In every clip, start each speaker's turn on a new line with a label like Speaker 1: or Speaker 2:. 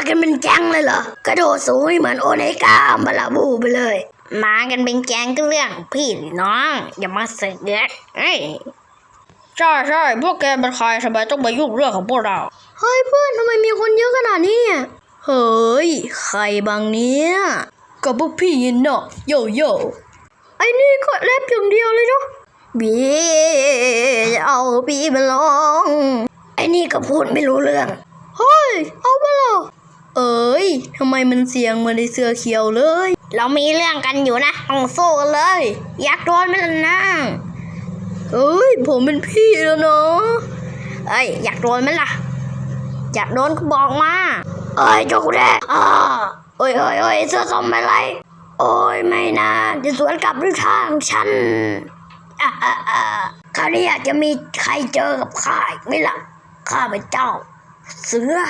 Speaker 1: กันเป็นแก๊งเลยเหรอกระโดดสูงเหมือนโอเนกาอัมบาลาบูไปเลยมากันเป็นแก๊งก็เรื่องพี่น้องอย่ามาเสือก
Speaker 2: ใช่พวกแกเป็นใครทำไมต้องมายุ่งเรื่องของพวกเรา
Speaker 1: เฮ้ยเพื่อนทำไมมีคนเยอะขนาดนี้เฮ้ยใครบางเนี้ย
Speaker 2: กับพวกพี่ยินเนาะโย
Speaker 1: ไอ้นี่ก็แรปอย่างเดียวเลยเนาะบีเอาบีมาลองไอ้นี่ก็พูดไม่รู้เรื่องเฮ้ยเอามาหรอทำไมมันเสียงเหมือนในเสือเขียวเลยเรามีเรื่องกันอยู่นะต้องสู้กันเลยอยากโดนไหมล่ะนะผมเป็นพี่แล้วเนาะอยากโดนไหมล่ะอยากโดนก็บอกมาจกแรกเสื้อส้มอะไรไม่นะจะสวนกลับด้วยทางฉันคราวนี้อาจจะมีใครเจอกับข้าอีกไหมล่ะข้าเป็นเจ้าเสือ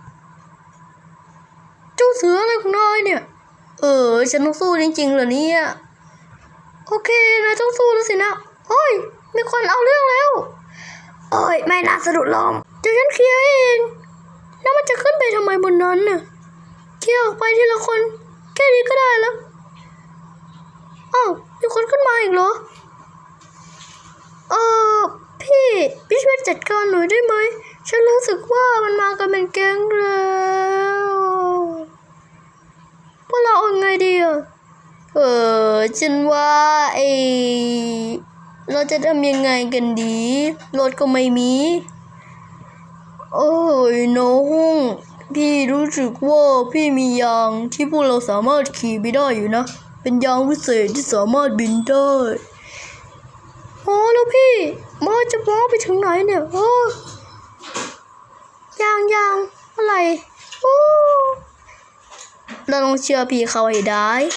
Speaker 1: อะไรของนายเนี่ยฉันต้องสู้จริงๆเหรอเนี่ยโอเคนายต้องสู้แล้วสินะมีคนเอาเรื่องแล้วไม่น่าสะดุดลงเดี๋ยวฉันเคลียร์เองแล้วมันจะขึ้นไปทำไมบนนั้นน่ะเคลียร์ออกไปทีละคนแค่นี้ก็ได้แล้วมีคนขึ้นมาอีกเหรอพี่ช่วยจัดการหน่อยได้ไหมฉันรู้สึกว่ามันมากันเป็นแก๊งแล้วพวกเราเอาไงดีฉันว่าเราจะทำยังไงกันดีรถก็ไม่มีน้องพี่รู้สึกว่าพี่มียางที่พวกเราสามารถขี่ไปได้อยู่นะเป็นยางวิเศษที่สามารถบินได้แล้วพี่จะมองไปถึงไหนเนี่ยยางอะไรเราต้องเชื่อพี่เขาให้ได้